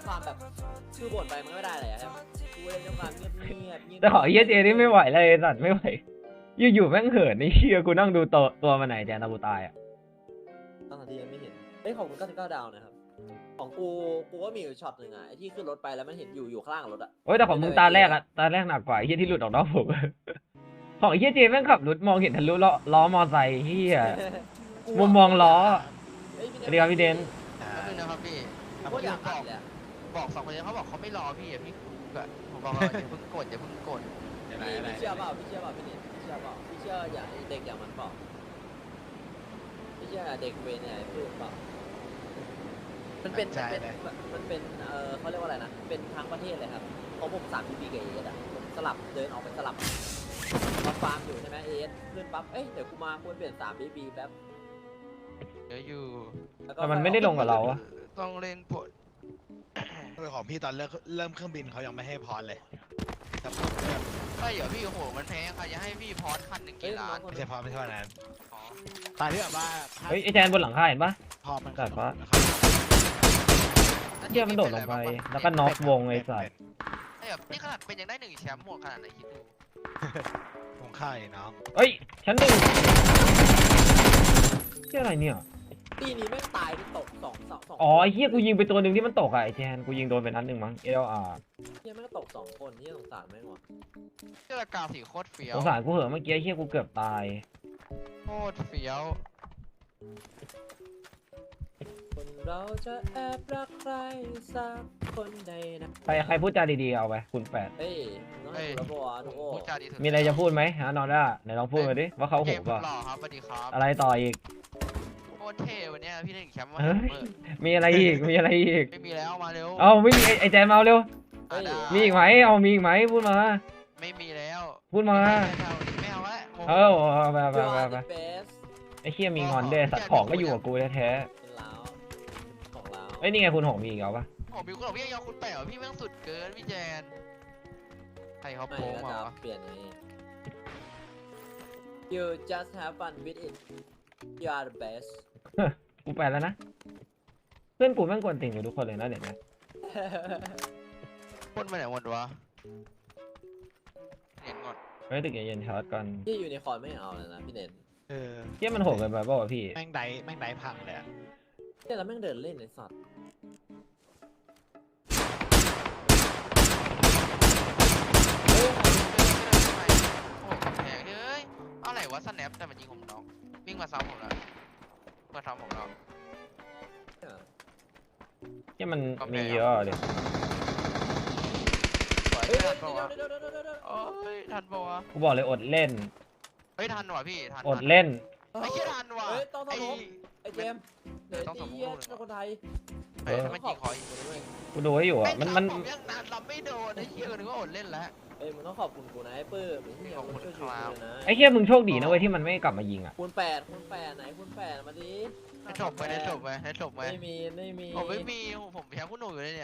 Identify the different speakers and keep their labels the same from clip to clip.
Speaker 1: ความแบบคือบ่นไปมันก็ไม่ได้เลยครับกูเล่นด้วยความเงียบ
Speaker 2: แต่ขอเฮียเจนี่ไม่ไหวเลยสัตว์ไม่ไหวอยู่ๆแม่งเหินไอ้เชี่ยกูนั่งดูตัวมันไหนแจนตาบูตายอ่ะ
Speaker 1: ตั้งแต่ที่ยังไม่เห็นเอ้ยของมึง99 ดาวนะครับของกูก็มีอยู่ช็อตหนึ่งอ่ะไอ้ที่ขึ้นรถไปแล้วมันเห็นอยู่ข้างล่างรถอ่ะ
Speaker 2: โอ้ยแต่ของมึงตาแรกหนักกว่าไอ้เฮียที่หลุดออกนอกผม ของไอ้เฮียเจแม่งขับรถมองเห็นทะลุล้อมอไซค์เฮียมุมมองล้อสวัสดีครับพี่เดน
Speaker 3: ก็คือนะครับพี่
Speaker 1: โคตรอยากอัดเลยอะ
Speaker 3: บอกสองคนนี้เขาบอกเขาไม่รอพี่อ่ะพี่ก็ผมบอกว่าอย่าเพิ่งกดอย่าเพิ่งกด
Speaker 1: พี่เชื่อเปล่าพี่เชื่อเปล่าพี่นิดพี่เชื่อเปล่าพี่เชื่ออย่างเด็กอย่างมันเปล่าพี่เชื่อเด็กเวรเนี่ยพูดเปล่ามันเป็นเขาเรียกว่าอะไรนะเป็นทั้งประเทศเลยครับของผม3 ปีกับเอสอ่ะผมสลับเดินออกไปสลับมาฟาร์มอยู่ใช่ไหมเอสขึ้นปั๊บเอ้ยเดี๋ยวกูมาควรเปลี่ยน3 ปีแป๊บ
Speaker 3: เดี๋ยวอยู่
Speaker 1: แล้วก็
Speaker 2: แต่มันไม่ได้ลงกับเราอะ
Speaker 3: ต้องเล่นผล
Speaker 4: ของพี่ตอนเริ่มเครื่องบินเขายังไม่ให้พรเลยแต่
Speaker 3: ไม่เดี๋ยวพี่โอ้โหมันแพงใครจะให้พี่พรคันหนึ่ง
Speaker 1: เอ้ย
Speaker 3: กี่ล้าน
Speaker 4: ไม่ใช่พรไม่ใช่วันนั้น
Speaker 3: อ๋อ
Speaker 4: ตอนที่แบบว่า
Speaker 2: เฮ้ยไอ้แจนบนหลังคาเห็นปะ
Speaker 4: พอมัน
Speaker 2: กัดปะ
Speaker 4: ครับ
Speaker 2: เชี่ยมันโดดลงไปแล้วก็น็อกวงไอ้สัตว์
Speaker 3: ไอ้แบบนี่ขนาดเป็นยังได้1 แชมป์หมดขนาดไหนคิดดู
Speaker 4: วงค่ายน้อง
Speaker 2: เฮ้ยชั้นหนึ่งเชี่ยอะไรเนี่ย
Speaker 1: ปีนี้แม่งตายไปตกสอง
Speaker 2: อ๋อไอ้เฮียกูยิงไปตัวหนึ่งที่มันตกอะไอ้แจนกูยิงโดนไปนัดหนึ่งมั้ง LR
Speaker 1: เฮียแม่งก็ตก2 คนที่สงสารแม่งว่ะ
Speaker 3: เสื้อกาวสีโคตรเฟี้ย
Speaker 2: ส
Speaker 3: ว
Speaker 2: งสารกูเหอะเมื่อกี้ไอ้เฮียกูเกือบตาย
Speaker 3: โคตรเฟี้ยว
Speaker 1: คนเราจะแอบรักใครสักคนใดนะ
Speaker 2: ใครพูดจาดีๆเอาไปคุณ8
Speaker 1: เฮ้ยมึงต้องให้กูระบวทุกโอ้
Speaker 3: พูดจาดีสุด
Speaker 2: มีอะไรจะพูดไหมฮะนอนได้ไหนลองพูดมาดิว่าเขาโห
Speaker 3: เกม
Speaker 2: ป่ะ
Speaker 3: หล่อครับสวัสดีครับ
Speaker 2: อะไรต่ออีก
Speaker 3: โคตรเท่วันเนี้ยพี่ได้1 แชมป์มา
Speaker 2: เฮ้ย มีอะไรอีกมีอะไรอีก
Speaker 3: ไม่มีแล้วมาเร็ว
Speaker 2: เอาไม่มีไอ้แจนมาเอาเร็ว
Speaker 1: เฮ้ย
Speaker 3: ได้
Speaker 2: มีอีกไหมเอามีอีกไหมพูดมา
Speaker 3: ไม่มีแล้ว
Speaker 2: พูดมา
Speaker 3: ไม่เอาละ
Speaker 2: เอาไป
Speaker 1: ยูอาร์เดอะเบส
Speaker 2: ไอ้เคียมีงอนด้วยสัตว์ของก็อยู่กับกูแท้
Speaker 1: เป็นล้าวของล้าว
Speaker 2: ๆเอ้ยนี่ไงคุณหงมีอีกเอาปะ
Speaker 3: โอ้บิวก็บอกพี่ยังคุณแปะพี่แม่งสุดเกินพี่แจนใครเขา
Speaker 1: ไม่
Speaker 3: โป้ง
Speaker 1: ก็
Speaker 3: มา
Speaker 1: จะ
Speaker 3: วะ
Speaker 1: เปลี่ยนไง You just have fun with it You are the best
Speaker 2: กูไปแล้วนะเพื่อนกูแม่งกวนติ่งอยู่ทุกคนเลยนะเดี๋ยวนะ
Speaker 3: พ่นไปไหนหมดวะเห็นหมด
Speaker 2: เฮ้ยตึกเย็นๆชาร์จก่อน
Speaker 1: ที่ยูนิคอร์นไม่เอาเลยนะพี่เด่น
Speaker 4: เออ
Speaker 2: เคียมันโหดเกินไปเปล่าวะพี่
Speaker 4: แม่งไดพังเลยอะ
Speaker 1: เนี่ยแล้วแม่งเดินเล่นในสัตว์
Speaker 3: เฮ้ยโอ้ยแพงเฮ้ยอะไรวะสแนปแต่มันยิงผมน้องวิ่งมาซ้ำผมแล้วมาซ้ำผมแล้ว
Speaker 2: เคียมันมีเยอะเดี๋ยว
Speaker 3: สวย
Speaker 1: เฮ้ย
Speaker 3: ทันปะวะ
Speaker 1: เดี๋ยว
Speaker 3: โอ้ยทันปะวะ
Speaker 2: กูบอกเลยอดเล่น
Speaker 3: เฮ้ยทันว่ะพี่ทัน
Speaker 2: อดเล่น
Speaker 3: ไอ้เหี้ยทันว่ะ
Speaker 1: เฮ้ยต้องส
Speaker 3: ไอ้
Speaker 1: มองไอ้เจมส์เดี๋ยว
Speaker 3: ต้องสมมุติ
Speaker 1: ไอ้เหี้ยเป็นคนไทย
Speaker 3: เฮ้ยถ้ามันยิงคอย
Speaker 2: กูดูให้อยู่อ่ะมัน
Speaker 3: ผมยังนานรับไม่โดนไอ้เหี้ยนึกว่าอดเล่นแล้ว
Speaker 1: เอ้ยมึงต้องขอบคุณกูนะไอ้ปื้มไอ้เหี้ยมึงช่วยกูเลยนะ
Speaker 2: ไอ้เคียมึงโชคดีนะเว้ยที่มันไม่กลับมายิงอ่ะ
Speaker 1: คูณ 8ไหนคูณ 8มาดิ
Speaker 3: ให้จบไปให้จบไปให้จบไป
Speaker 1: ไม่มี
Speaker 3: ผมไม่มีผมแพ้ผู้หนุ่มอยู่เลยเนี่ย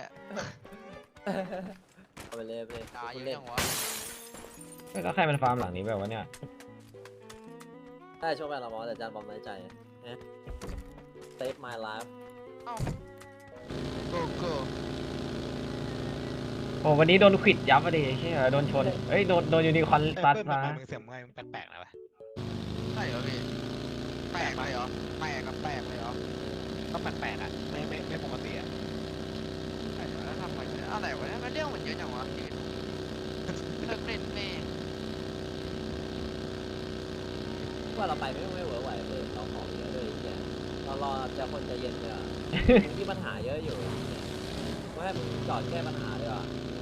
Speaker 1: เอาไปเลยไปเลย
Speaker 3: ตายเย
Speaker 1: คุณ
Speaker 3: อะ
Speaker 1: เล่น
Speaker 3: จังวะ
Speaker 2: แล้วใครมันฟาร์มหลังนี้แบบวะเนี่ย
Speaker 1: ได้ช่วงแรกเราบอกแต่จานบอมน้อยใจนะ Save my life
Speaker 3: โกโก้
Speaker 2: โอ้วันนี้โดนขวิดยับอ่ะดิเชี่ยโดนชนเอ้ยโดนยูนิคอร์นซัด
Speaker 4: เปิ้ล
Speaker 2: มา
Speaker 4: มึงเสียงมึงแปลกๆนะวะ
Speaker 3: ใช่เหรอพี่แปลกเลยเหรอแปลกกับแปลกเลยเหรอ
Speaker 4: ก็แปลกๆอะไม่ปกติอะ
Speaker 3: ใช่เหรอแล้วทำไมอะไรวะเนี่ยมันเรื่องมันเยอะจังวะชีวิตเลิกเล่นแม่
Speaker 1: ว่าเราไปไม่เวิร์กไหวเลยเราขอเยอะเลยแกเรารอจะคนใจเย็นเลยอ่ะที่ปัญหาเยอะอยู่ก็ให้มึงจอดแก้ปัญหาเลยอ่ะ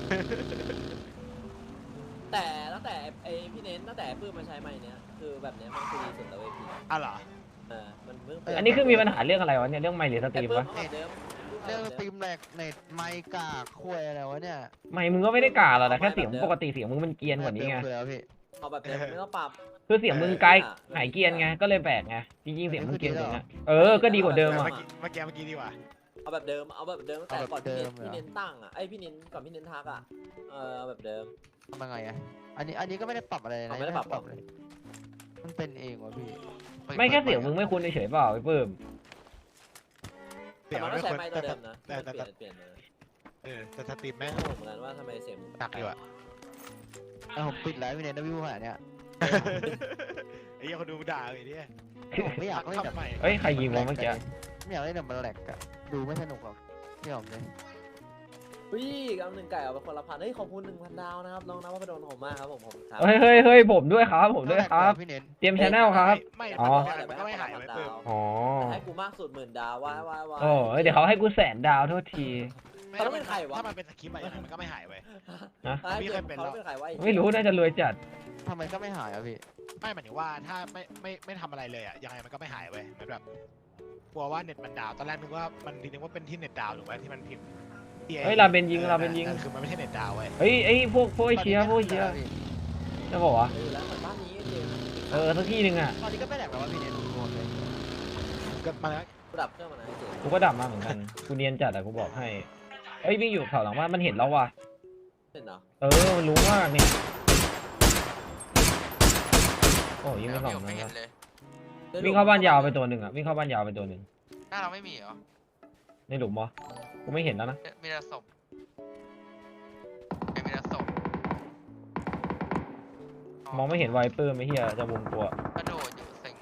Speaker 1: แต่ตั้งแต่ไอพี่เน้นตั้งแต่ปื้มมาใช้ไม้เนี้ยคือแบบเนี้ยมันคือดีสุดแล้วเว้ยพี่
Speaker 4: อ้าวเหรอ
Speaker 1: มันเพิ่ง
Speaker 2: อันนี้คือมีปัญหาเรื่องอะไรวะเนี่ยเรื่องไมค์หรือสตรีมวะ
Speaker 1: เดิม
Speaker 3: เรื่องตีมแหลกเน็ตไมกากคุยอะไรวะเนี่ย
Speaker 2: ไมค์มึงก็ไม่ได้กาหรอกแต่แค่เสียงปกติเสียงมึงมันเกรียนกว่านี้ไง
Speaker 3: เติมแล้วพี่
Speaker 1: เอาแบบเดิมไม่ต้องปรับ
Speaker 2: คือเสียงมึงไกลหายเกรียนไงก็เลยแปลกไงจริงๆเสียงมึงเกรียนกว่านี้ก็ดีกว่าเดิมอ่ะ
Speaker 4: เมื่อกี้ดีกว่า
Speaker 1: เอาแบบเดิมตั้งแต่ก่อนพี่เน้นตั้งอ่ะไอพี่เน้นก่อนพี่เน้นทักอ่ะเอาแบบเดิม
Speaker 3: ทำยังไงอะอันนี้ก็ไม่ได้ปรับอะไรนะ
Speaker 1: ไม่ได้ปรับ
Speaker 3: เลยมันเป็นเองวะพี่
Speaker 2: ไม่แค่เสียงมึงไม่คุ้นเฉยๆเปล่าไอ้ปื้ม
Speaker 4: เสียง
Speaker 1: มัน
Speaker 4: ไม่
Speaker 1: ต้องใช้
Speaker 4: ควร
Speaker 1: ไม้ตัวเดิมนะ
Speaker 4: แต่
Speaker 1: เปลี่ยนเลย
Speaker 4: แต่สตรีมแม่ง
Speaker 1: ไม่รู้เหมือนกันว่าทำไมเสียง
Speaker 4: หนักอยู่อะ
Speaker 5: ผมปิดไลฟ์พี่เนทนะวิวขนาดเนี้ย
Speaker 4: ไอ้เหี้ยคนดูด่าไอ้เนี่ย
Speaker 5: ผมไม่อยากเล่นแบบ
Speaker 4: ทำไม
Speaker 2: เฮ้ยใครยิงวะเมื่อกี้
Speaker 5: ไม่อยากเล่นแบบมันแหลกอะดูไม่สนุกหรอกพี่หอมเลย
Speaker 1: พี่กำหนึ่งไก่เอาไปคนละพันเฮ้ยขอบคุณ1,000 ดาวนะครับน้องนภพดลผมมากครับผมครับ
Speaker 2: เฮ้ยเฮ้ยเฮ้ยผมด้วยครับผมด้วยครับ
Speaker 5: พี่เนท
Speaker 2: เตรียมชแนลครับ
Speaker 4: ไม่
Speaker 2: อ๋อ
Speaker 4: มันก็ไม่หายไปเพิ่ม
Speaker 2: อ๋อ
Speaker 1: แต่ให้กูมากสุด10,000 ดาวว่า
Speaker 2: โอ้ยเดี๋ยวเขาให้กู100,000 ดาวโทษที
Speaker 1: เขาต้องเป็นใครวะ
Speaker 4: ถ้ามันเป็นสคริปต์อะยังไงมันก็ไม่หายไป
Speaker 2: นะ
Speaker 1: ให้
Speaker 4: พี่เคยเป็น
Speaker 1: เขา
Speaker 4: แล้ว
Speaker 1: เป็นใครวะ
Speaker 2: ไม่รู้น่าจะรวยจัด
Speaker 5: ทำไมก็ไม่หายอะพี่
Speaker 4: ไม่หมายถึงว่าถ้าไม่ทำอะไรเลยอะยังไงมันก็ไม่หายไปมันแบบกลัวว่าเน็ตมันดาวตอนแรกนึกว่ามันทีนึงว่าเป็นที่เน็ตดาวถูกไหมที่มันพิมพ์
Speaker 2: เฮ้ยลาเบนยิงลาเบนยิง
Speaker 4: คือมันไม่ใช่เน็ตดาวเว้ย
Speaker 2: เฮ้ยไอ้พวกไอ้เชียร์พวกไอ้เชียร์จะบอกว่า
Speaker 1: อยู่แล้วเหมือนบ้านนี้เจมส์
Speaker 2: สักที่หนึ่งอ่ะ
Speaker 5: ตอนนี้ก็ไม่แหลกแล้วว่าพี่เนทดูหมดเลย
Speaker 4: ก็มาแล้ว
Speaker 1: กูดับเครื่องมานะเจมส์
Speaker 2: กูก็ดับมาเหมือนกันกูเนียนจัดอะกูบอกให้เอ้ยวิ่งอยู่แถวหลังบ้านมันเห็นแล้วว่ะ
Speaker 1: เห็นเหรอ
Speaker 2: มันรู้มากเนี่ยโอ้ยิงไปสอง
Speaker 3: ไม่
Speaker 2: นะ
Speaker 3: เห็
Speaker 2: คน รับ
Speaker 3: เลย
Speaker 2: วิ่งเข้าบ้านยาวไปตัวหนึ่งอ่ะวิ่งเข้าบ้านยาวไปตัวหนึ่ง
Speaker 3: หน้าเราไม่มีเหรอ
Speaker 2: ในหลุมวะกูไม่เห็นแล้วนะ
Speaker 3: มีแต่ศพมีแต่ศพ
Speaker 2: มองไม่เห็นไวเปอร์ไม่เฮียจะวงตัว
Speaker 3: กระโดดอยู่เซ็ง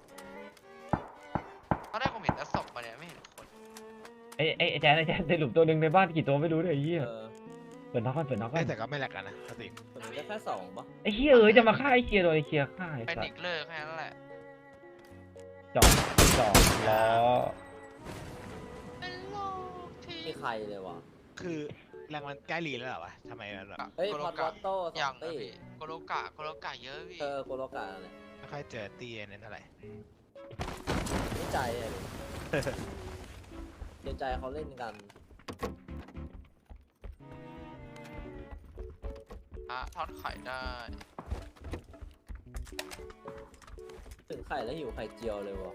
Speaker 3: ตอนแรกผมเห็นแต่ศพมาเนี่ยไม่เห็นคน
Speaker 2: ไอ้แจ๊ดในหลุมตัวหนึ่งในบ้านกี่ตัวไม่รู้เลยไอ้เหี้ย
Speaker 1: เออ
Speaker 2: เปิดน็อกก่อนเปิดน็อกก่อน
Speaker 4: แต่ก็ไม่แหลกกันนะสติ
Speaker 1: คนนี้ได้แค่2ปะ
Speaker 2: ไอ้เหี้ยจะมาฆ่าไอ้เคียร์โดยไอ้เคียร์ฆ่าไอ้
Speaker 3: เป็น
Speaker 2: สั
Speaker 3: อี
Speaker 2: ส
Speaker 3: กเลิกแค่นั้นแหละ
Speaker 2: จอดล้อ
Speaker 3: เป็นโลกที่
Speaker 1: ไม่ใครเลยวะ
Speaker 4: คือแรงมันใกล้รีแล้วเหรอวะทำไมมันแบบ
Speaker 1: เฮ้ย
Speaker 3: โก
Speaker 1: พ
Speaker 3: โล
Speaker 1: อดว
Speaker 3: กะ
Speaker 1: อตโต้ส
Speaker 3: อย่า
Speaker 1: อง ง
Speaker 3: นะ
Speaker 1: ตี
Speaker 3: พี่โกโลกะเยอะพี่
Speaker 1: โกโลกาอะไร
Speaker 4: ไม่ค่อยเจอตีเน้นเท่าไหร่
Speaker 1: รู้ใจเลยเกรงใจเขาเล่นกัน
Speaker 3: ทอดไข่ได้
Speaker 1: ถึงไข่แล้วหิวไข่เจียวเลยวะ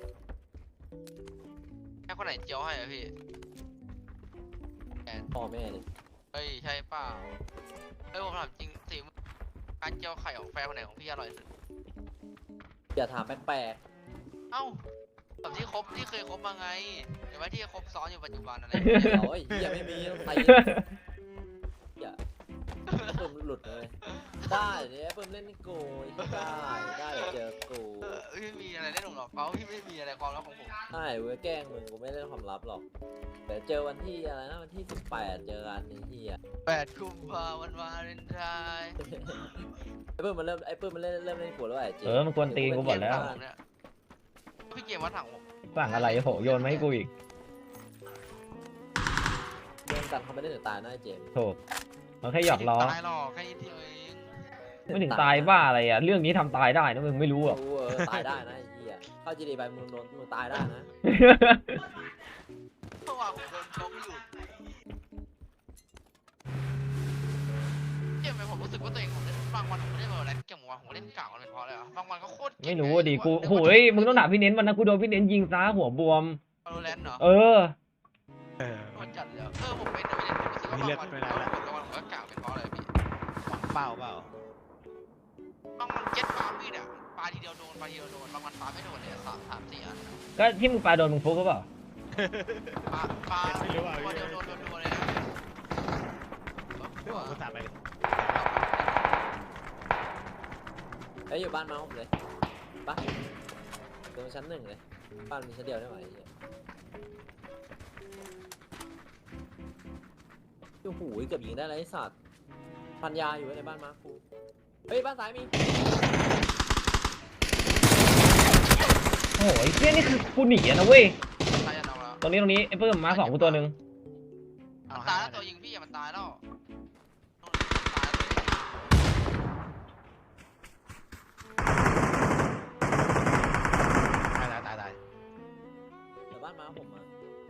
Speaker 3: แค่คนไหนเจียวให้อะพี่แอน
Speaker 1: พ่อแม่เลย
Speaker 3: เฮ้ยใช่เปล่าเฮ้ยผมถามจริงสิการเจียวไข่ของแฟนคนไหนของพี่อร่อยสุด
Speaker 1: อย่าถามแปลก
Speaker 3: เอ้าแบบที่เคยคบมาไงเดี๋ยวไว้ที่คบซ้อนอยู่ปัจจุบันอะไร
Speaker 1: ๆโอ้ยเหี้ยไม่มีต้องไทยอย่าเพิ่มหลุดเลยได้เนี่ยเพิ่มเล่นนี่กูได้เจอกู
Speaker 3: ไม่มีอะไรเล่นหรอกเขาพี่ไม่มีอะไรความลับของผม
Speaker 1: ใช่เว้ยแกล้งมึงกูไม่เล่นความลับหรอกเดี๋ยวเจอวันที่อะไรนะวันที่18เจอกันไอ้เหี้ย
Speaker 3: 8 กุมภาพันธ์วันวาเลนไทน์
Speaker 1: ไอ้ปื้มมันเริ่มเล่นกูแล้วไอ้เจ๊
Speaker 2: มันกวนตีนกูหมดแล้ว
Speaker 3: เนี่ยพี่เกมวัดถังผม
Speaker 2: สั่งอะไรโหโยนมาให้กูอีก
Speaker 1: เล่นกันเขาไม่ได้ถึงตายนะไอ้เจม
Speaker 2: โถมันแค่หยอกล้อ
Speaker 3: ตายหรอกแค่นิดเดียวเอง
Speaker 2: ไม่ถึงตายบ้าอะไรอ่ะเรื่องนี้ทำตายได้นะมึงไม่รู้หรอก
Speaker 1: รู้ตายได้นะไอ้เหี้ยเข้าจีดีไปมึงโดนมึงตายได้นะ
Speaker 3: เมื่อวานผมโดนชกอยู่เกมไปผมรู้สึกว่าตัวเองผมเล่นบางวันผมเล่นแบบแรนเกมวันผมเล่นเก่ามันเป็นเพราะอะไรวะบางวันก็โคตร
Speaker 2: ไม่รู้ดิกูโหยมึงต้องถามพี่เน้นมันนะกูโดนพี่เน้นยิงซ้าหัวบวม
Speaker 3: โรแลนด์เหรอ
Speaker 2: เออ
Speaker 3: มันจัดเลยผมเป็นแต่ไม่เล่นผมรู้สึกว่าบางวันผมก็กล่าวเป็นเพราะอะไรพี่
Speaker 4: เปล่า
Speaker 3: บางวันเจ็ตปามีเนี่ยปาทีเดียวโดนบางวันปาไม่โดนเลย3-4 อัน
Speaker 2: ก็ที่มึงปาโดนมึงฟุกหรือเปล่า
Speaker 3: ปาตัวเดียวโดนเลยนะ
Speaker 4: ไม่บอกกูตามไป
Speaker 1: ไอ้อยู่บ้านมาผมเลยปะตรงชั้น1เลยบ้านมีชั้นเดียวได้ไหมไอ้เหี้ยโอ้โหเกือบยิงได้แล้วไอ้สัตว์พันยาอยู่ในบ้านมาคูเฮ้ยบ้านซ้ายมี
Speaker 2: โอ้ยเฮียนี่คือกูหนีอะนะเว้ย
Speaker 3: ตายยันเอาแล้ว
Speaker 2: ตรงนี้ไอ้เพิ่มมา2กูตัวหนึ่ง
Speaker 3: ตายแล้วตัวยิงพี่มันตายแล้ว
Speaker 4: ตาย
Speaker 1: เดี๋ยวบ้านมาผมมา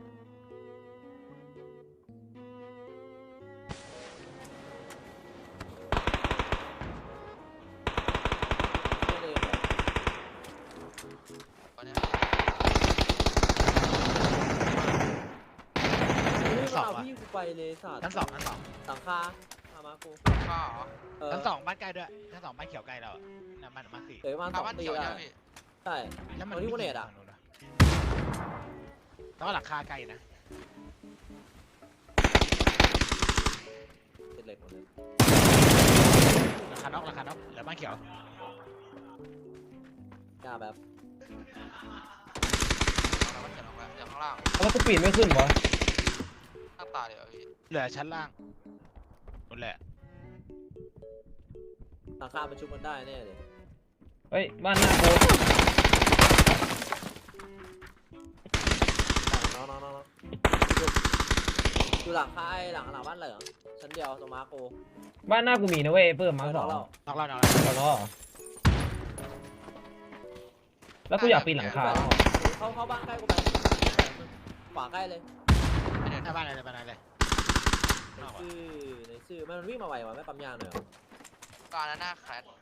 Speaker 1: ไม่เลยเหรอ
Speaker 3: วันนี้
Speaker 1: เฮ้ยมันเอาพี่กูไปเลยสัตว์
Speaker 4: ชั้นสอง
Speaker 1: หลังคามากู
Speaker 3: ข้าเหรอ
Speaker 4: ชั้นสองบ้านใกล้ด้วยชั้นสองบ้านเขียวใกล้เราน้ำมันมาสี่
Speaker 1: เดี๋ยวประมาณ
Speaker 3: ข้าบ้าน
Speaker 1: 2 ปี
Speaker 3: เขียว
Speaker 1: แล้ว
Speaker 3: ยังพี่
Speaker 1: ใช่
Speaker 4: แล้วมัน
Speaker 1: เอาที่กูเนตอะ
Speaker 4: แล้วก็หลังคาไกลนะน็อกเหลือบ้านเขียว
Speaker 1: กล้าแบบ
Speaker 3: เราก็เขียนออกแล้วจากข้างล่าง
Speaker 2: แล้วกูปีนไม่ขึ้นวะ
Speaker 3: หน้าตาเดี๋ยวพี่
Speaker 4: เหลือชั้นล่างหมดแหละ
Speaker 1: หลังคามันชุบมันได้แน่เลย
Speaker 2: เฮ้ยบ้านหน้ากู
Speaker 1: น้องอยู่หลังคาหลังบ้านเหลืองชั้นเดียวตรงมาโก
Speaker 2: บ้านหน้ากูมีนะเว้ยเพิ่มมาสอง
Speaker 1: เรา
Speaker 4: น็อกแล้ว
Speaker 2: เอาล้อแล้วกูอยากปีนหลังคา
Speaker 1: เข้าบ้านใกล้กูไปขวาใกล้เลย
Speaker 3: ไม่เดิน
Speaker 4: หน้าบ้านอะไรเลย
Speaker 1: ในชื่อมันวิ่งมาไววะไม่ปั๊มยางเลยเหรอ
Speaker 3: การหน้าแคลด